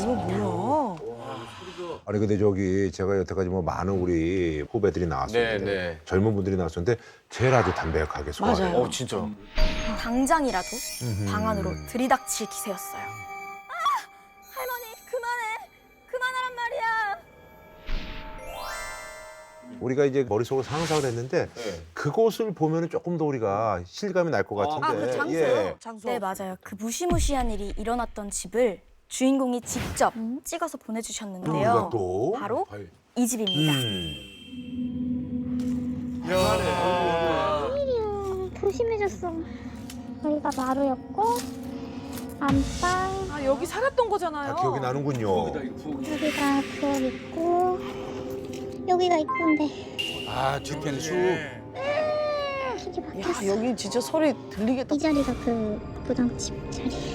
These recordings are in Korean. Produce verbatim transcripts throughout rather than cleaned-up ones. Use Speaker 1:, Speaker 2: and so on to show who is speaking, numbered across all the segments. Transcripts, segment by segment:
Speaker 1: 있습니다.
Speaker 2: 뭐야?
Speaker 3: 아니 근데 저기 제가 여태까지 뭐 많은 우리 후배들이 나왔었는데
Speaker 4: 네, 네.
Speaker 3: 젊은 분들이 나왔었는데 제일 아주 담백하게 소화해요.
Speaker 2: 맞아요.
Speaker 4: 어 진짜.
Speaker 5: 당장이라도
Speaker 3: 음흠.
Speaker 5: 방 안으로 들이닥칠 기세였어요. 아! 할머니 그만해! 그만하란 말이야!
Speaker 3: 우리가 이제 머릿속으로 상상을 했는데
Speaker 4: 네.
Speaker 3: 그곳을 보면은 조금 더 우리가 실감이 날 것 같은데.
Speaker 2: 아, 그 장소요?
Speaker 3: 예.
Speaker 2: 장소.
Speaker 5: 네 맞아요. 그 무시무시한 일이 일어났던 집을 주인공이 직접 찍어서
Speaker 3: 또
Speaker 5: 보내주셨는데요.
Speaker 3: 우리가 또
Speaker 5: 바로 이 집입니다.
Speaker 3: 음.
Speaker 6: 웬일이야. 조심해줬어. 여기가 마루였고 안방
Speaker 2: 아 여기 살았던 거잖아요.
Speaker 3: 다 기억이 나는군요.
Speaker 6: 여기가 부엌 있고 여기가 입구인데
Speaker 4: 아 뒤편에 수.
Speaker 6: 이게
Speaker 2: 야
Speaker 6: 막혔어.
Speaker 2: 여기 진짜 소리 들리겠다.
Speaker 6: 이 자리가 그 부장집 자리.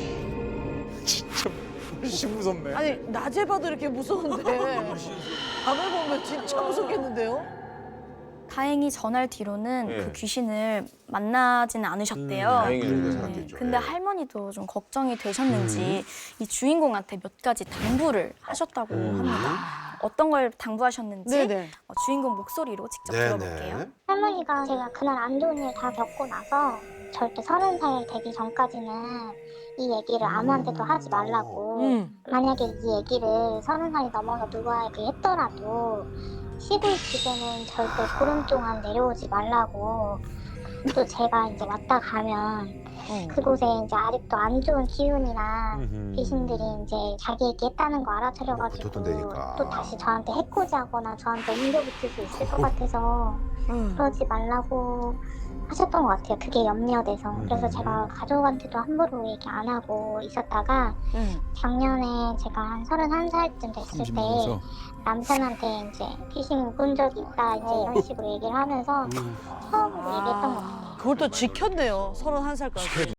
Speaker 4: 훨씬 무섭네.
Speaker 2: 아니 낮에 봐도 이렇게 무서운데 밤에 보면 진짜 무섭겠는데요?
Speaker 5: 다행히 전날 뒤로는
Speaker 4: 네.
Speaker 5: 그 귀신을 만나지는 않으셨대요.
Speaker 4: 다행이네.
Speaker 3: 그런
Speaker 5: 네,
Speaker 3: 사람들죠.
Speaker 5: 근데
Speaker 3: 예.
Speaker 5: 할머니도 좀 걱정이 되셨는지 이 주인공한테 몇 가지 당부를 하셨다고 합니다. 어떤 걸 당부하셨는지
Speaker 2: 네네.
Speaker 5: 어, 주인공 목소리로 직접
Speaker 3: 네네.
Speaker 5: 들어볼게요.
Speaker 6: 할머니가 제가 그날 안 좋은 일 다 겪고 나서 절대 서른 살 되기 전까지는 이 얘기를 아무한테도 하지 말라고.
Speaker 2: 음.
Speaker 6: 만약에 이 얘기를 서른 살이 넘어서 누구에게 했더라도 시댁 집에는 절대 보름 동안 내려오지 말라고. 또 제가 이제 왔다 가면
Speaker 2: 어.
Speaker 6: 그곳에 이제 아직도 안 좋은 기운이나
Speaker 3: 음흠.
Speaker 6: 귀신들이 이제 자기 얘기했다는 거 알아차려가지고
Speaker 3: 붙었던데니까.
Speaker 6: 또 다시 저한테 해코지하거나 저한테 옮겨붙을 수 있을 것 같아서
Speaker 2: 음.
Speaker 6: 그러지 말라고 하셨던 것 같아요. 그게 염려돼서. 그래서
Speaker 3: 음.
Speaker 6: 제가 가족한테도 함부로 얘기 안 하고 있었다가
Speaker 2: 음.
Speaker 6: 작년에 제가 한 서른한 살쯤 됐을 때 남편한테 이제 귀신 본 적이 있다 이제 이런 식으로 얘기를 하면서 처음으로 얘기했던 것 같아요.
Speaker 2: 그걸 또 지켰네요. 서른한 살까지.